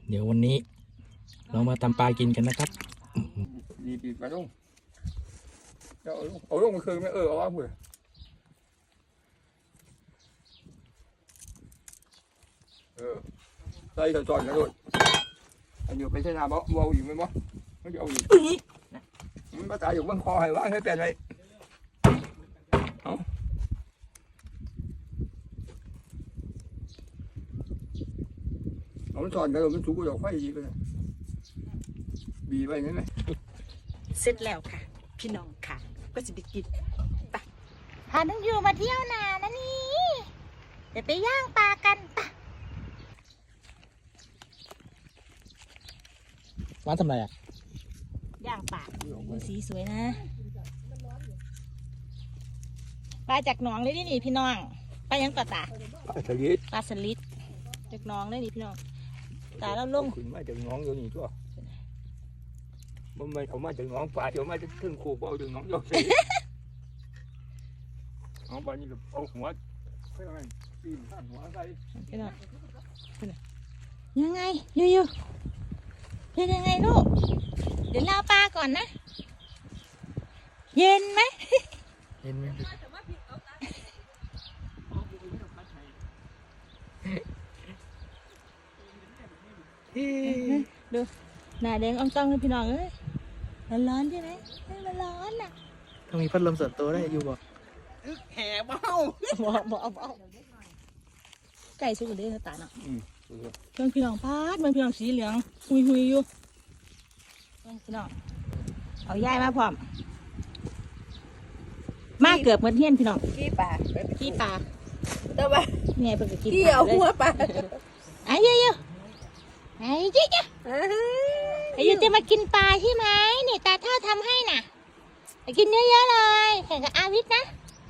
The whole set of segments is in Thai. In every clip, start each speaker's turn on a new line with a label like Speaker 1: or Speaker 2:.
Speaker 1: เดี๋ยววันนี้เรามาตำปลากินกันนะครับ
Speaker 2: ดีปีไปลงเอาลงมาคืนไหมเอาว่าเบื่อใส่จอยๆนะโดดอันอยู่ไปใช้นาบ่เอาอยู่ไหมบ่ไม่จะเอาอยู่มันภาษาอยู่บนคอให้ว่างให้เป็นไรเอาจอดกันมันถูกกว่าไฟดีไปเลยบีไปไหม
Speaker 3: เสร็จแล้วค่ะพี่น้องค่ะก็จะไปกินไปพาน้องยูมาเที่ยวนานะนี่เดี๋ยวไปย่างปลากันปะ
Speaker 1: ร้านทำอะไรอ่ะ
Speaker 3: ย่างปลาดูสีสวยนะปลาจากหนองเลยนี่พี่น้องปลายังปลาตา
Speaker 2: ปลาสลิด
Speaker 3: จากหนองเลยนี่พี่น้องตาแล้วลง
Speaker 2: ขึ้นมาจากหนองอยู่นี่ตัวมันไม่เอามาจากหนองปลาเดี๋ยวมาจะขึ้นคูเอาจากหนองโยกสิเอาปลานี่เอาหัวเพื่ออะไรปีนข้างหัวใส่
Speaker 3: พี่น้องยังไงยูเป็นยังไงลูกเดี๋ยวเราปลาก่อนนะเย็นไหม
Speaker 1: เย็นไหม
Speaker 3: ดูหน้าแดงอ่องต้องเลยพี่น้องเอ้ยร้อนใช่ไหมมันร้อนน่ะ
Speaker 1: ต้องมีพัดลมส่วนตัวได้อยู่บ่
Speaker 3: แห่เบาไก่สุกเลยตาเนาะเพื่อนพี่น้องพาดมันพี่น้องสีเหลืองหุยอยู่พี่น้องเอาย่ายมาพร้อมมาเกือบเหมือนเฮี้ยนพี่น้อง
Speaker 4: ขี้ปลาแต่ว่า
Speaker 3: เนี่ยเป็นกิน
Speaker 4: ขี้เอาหัวปลา
Speaker 3: ไอ้เยอะไอ้เจ๊ไอ้ยูจะมากินปลาใช่ไหมนี่ตาเท่าทำให้น่ะไปกินเยอะๆเลยแข่งกับอาวิทนะ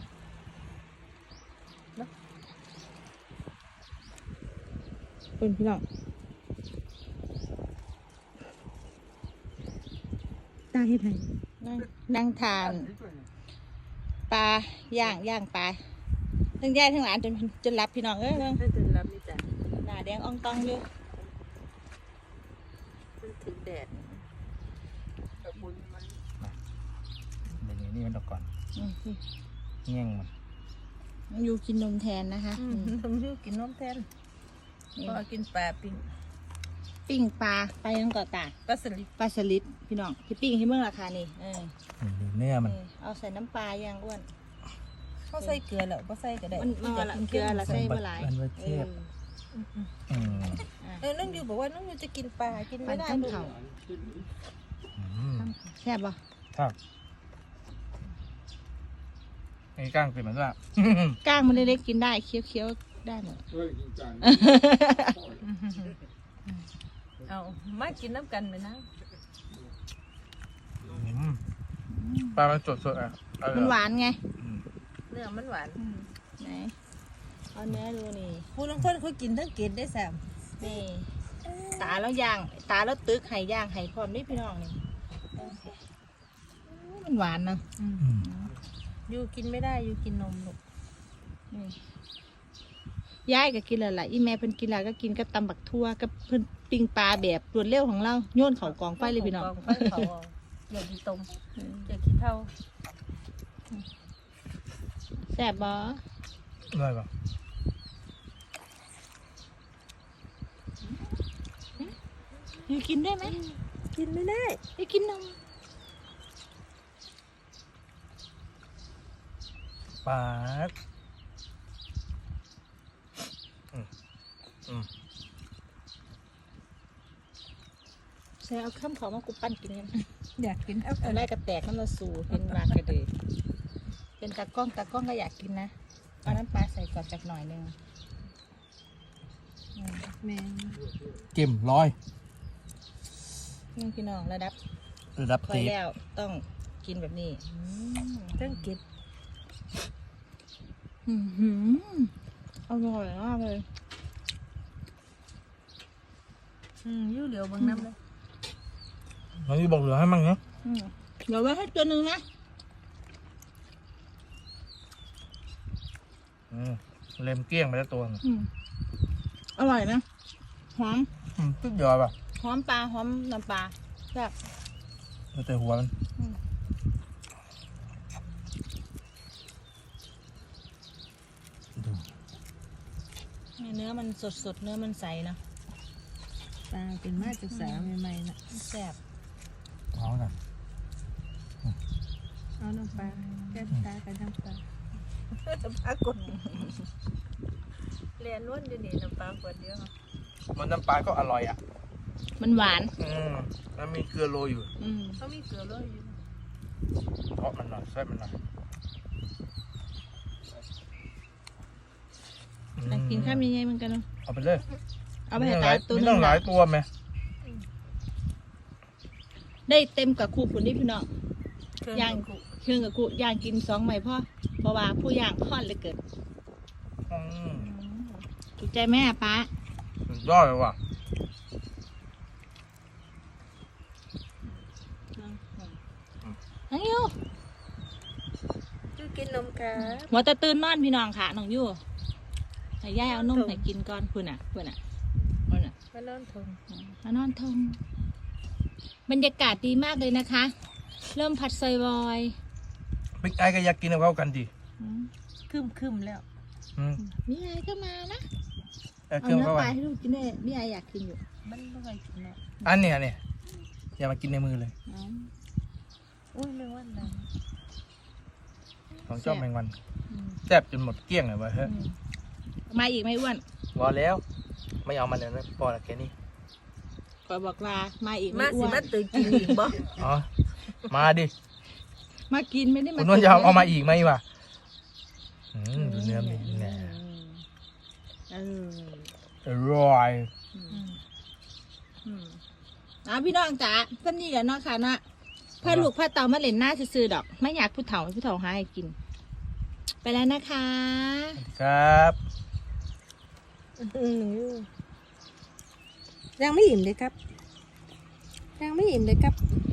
Speaker 3: เป็นพี่น้องตาให้ไทยนั่งทานปลาย่างปลาทั้งยายทั้งหลานจนรับพี่น้องเอ้ยจ
Speaker 4: นรับนี่จ้ะ
Speaker 3: หน้าแดงอ่องตองอยู่
Speaker 4: ถึงแดด
Speaker 1: เดี๋ยวนี้มันออกก่อนเงี้ยง
Speaker 3: มันอยู่กินนมแทนนะคะ
Speaker 4: ทำยูกินนมแทนพอกินปลา
Speaker 3: ปิ้งปลาไปยังก่อตา
Speaker 4: ปลา
Speaker 3: สลิดพี่น้องที่ปิ้งให้เมื่อราคานี่
Speaker 1: เนื้อมัน
Speaker 3: เอาใส่น้ำปลาย่างอ้วน
Speaker 4: เขาใส่เกลือแล้วก็ใส่ก็ได้
Speaker 3: มันเกลือละใส่เมื่อไร
Speaker 4: น้องยูบอกว่าน้องยูจะกินปลากินไม่ได้ลูก
Speaker 3: แซ่บป่ะ
Speaker 1: ครับไอ้ก้างเป็นเหมือนว่า
Speaker 3: ก้างมันเล็กๆกินได้เคี้ยวๆได้หมด
Speaker 4: เอามากินน้ำกันไหมนะ
Speaker 1: ปลามันสดอ่ะ
Speaker 3: มันหวานไง
Speaker 4: เนื้อมันหวาน
Speaker 3: ไหนเอาเนื้อดูนี่
Speaker 4: ผู้ลงคนเขากินทั้งกินได้แซ่บ
Speaker 3: นี่ตาแล้วย่างตาแล้วตึกไห่ย่างไห่พร้อมนี่พี่น้องนี่มันหวานนะ
Speaker 4: ยูกินไม่ได้ยูกินนมลูก
Speaker 3: ย้ายก็กินอะไรอีแม่เพิ่นกินอะไรก็กินกับตำบักทั่วกับเพิ่นปิ้งปลาแบบรวดเร็วของเราโยนเขากองไฟเลยพี่น้อง
Speaker 4: กองไฟเขาอย่ากินต้มอย่ากินเท่า
Speaker 3: แซ่บบ่
Speaker 1: ได้ป่ะ
Speaker 3: ยูกินได้ไหม
Speaker 4: กินไม่ได้
Speaker 3: ยูกินนม
Speaker 1: ปลา
Speaker 3: ใส่เอาข้ามเขามากูปั้นกินกัน
Speaker 4: อยากกิน
Speaker 3: เอาแรกกระแตกมันมาสู่เป็นมากระเดยเป็นตากล้องก็อยากกินนะเอาน้ำปลาใส่ก่อนจากหน่อยนึง
Speaker 4: แม่
Speaker 1: เก็มร้อย
Speaker 3: นี่พี่น้องระดับคอยแล้วต้องกินแบบนี้
Speaker 4: ต้องกิน
Speaker 3: อร่อยมากเลย
Speaker 4: ยูเหลียวบางน้ำเลย
Speaker 1: น้องยูบอกเหลือให้มั่งเนาะ
Speaker 3: เดี๋ยวไว้ให้ตัวหนึ่งนะ
Speaker 1: เล็มเกลี้ยงไปแล้วตัว
Speaker 3: อร่อยนะหอม
Speaker 1: สุดยอดป่ะ
Speaker 3: หอมปลาหอมน้ำปลาแบบ
Speaker 1: แต่หัวมันดู
Speaker 3: เนื้อมันสดๆเนื้อมันใสนะ
Speaker 4: ปลาเป็นมาจากสาวใหม่ๆนะ
Speaker 3: แซ่บ
Speaker 1: เอากัน
Speaker 4: เอาน้ำปลาแก้ตากันน้ำปลาน้ำปลากดเรียนล้วนอยู่นี่น้ำปลากดเดียว
Speaker 1: มันน้ำปลาก็อร่อยอ่ะ
Speaker 3: มันหวาน
Speaker 1: มันมีเกลือโรยอยู่
Speaker 4: เขามีเกลือเลยอยู่
Speaker 1: เพราะมันหน่อยแซ่บมันหน่อย
Speaker 3: กินข้าวมีไงเหมือนกันเนาะ
Speaker 1: เอาไปเลย
Speaker 3: เอาไปให้ตาตัว
Speaker 1: มี
Speaker 3: นึ
Speaker 1: ตั้
Speaker 3: ง
Speaker 1: งหลายตัวไหม
Speaker 3: ได้เต็มกับคู่ผุนนี่พี่น้อง
Speaker 4: เครื่อง
Speaker 3: ย่างเครื่องกับคู่ย่างกิน2 ใหม่พ่อเพราะว่าผู้ย่างค่อนเหลยเกิดถูกใจแม่ป้า
Speaker 1: สุดยอดเลยว่ะ
Speaker 3: น้องยู
Speaker 4: จูกินนมกา
Speaker 3: หัวตะตื่นนอนพี่น้องค่ะน้องยูให้ย่ายเอานมให้กินก่อนพุ่นอ่ะพุ่นอ่ะ
Speaker 4: มานอนทง
Speaker 3: มานอนทงบรรยากาศดีมากเลยนะคะ เริ่มผัดซอยบอย
Speaker 1: บิ๊กไอก็อยากกินกับเขากันดิ
Speaker 4: คึมแล้ว
Speaker 3: มีไอก็มานะ
Speaker 1: เอา
Speaker 3: เอา
Speaker 1: เครื่อง
Speaker 3: เนื้อ
Speaker 1: เข้า
Speaker 3: ป
Speaker 1: ไป
Speaker 3: ลาให้ลูกกินด้วยมีไออยากกินอยู่
Speaker 4: มันไม่ค่อยกินเนาะ
Speaker 1: อันเนี้ยเนี่ยอย่ามากินในมือเลย
Speaker 4: อุ้ยไม่ว่าอะไร
Speaker 1: ของเจ้าแมงวันแซ่บจนหมดเกลี้ยงเลยเว้ยเฮ้ย
Speaker 3: มาอีกไหมอ้วน
Speaker 1: รอแล้ว ไม่เอามันเลยนะพอละแค่นี้
Speaker 3: ขอบอกลามาอีกไหม
Speaker 4: มา
Speaker 3: อ้
Speaker 4: สิ
Speaker 3: วน
Speaker 4: มาตื่นกินอีกบ่
Speaker 1: อ๋อมาดิ
Speaker 3: มากินไม่ได้มา
Speaker 1: คุณนวลจะเอามาอีกไหมวะดูเนื้อมันแน่ อร่อย
Speaker 3: พี่น้องจ๋าเพื่อนนี่แหละเนาะค่ะเนาะเพื่อลูกเพื่อเตามาเล่นหน้าซื่อๆดอก ไม่อยากผู้เฒ่าให้ผู้เฒ่าหาให้กิน ไปแล้วนะคะ
Speaker 1: ครับ
Speaker 4: ยังไม่อิ่มเลยครับยังไม่อิ่มเลยครับ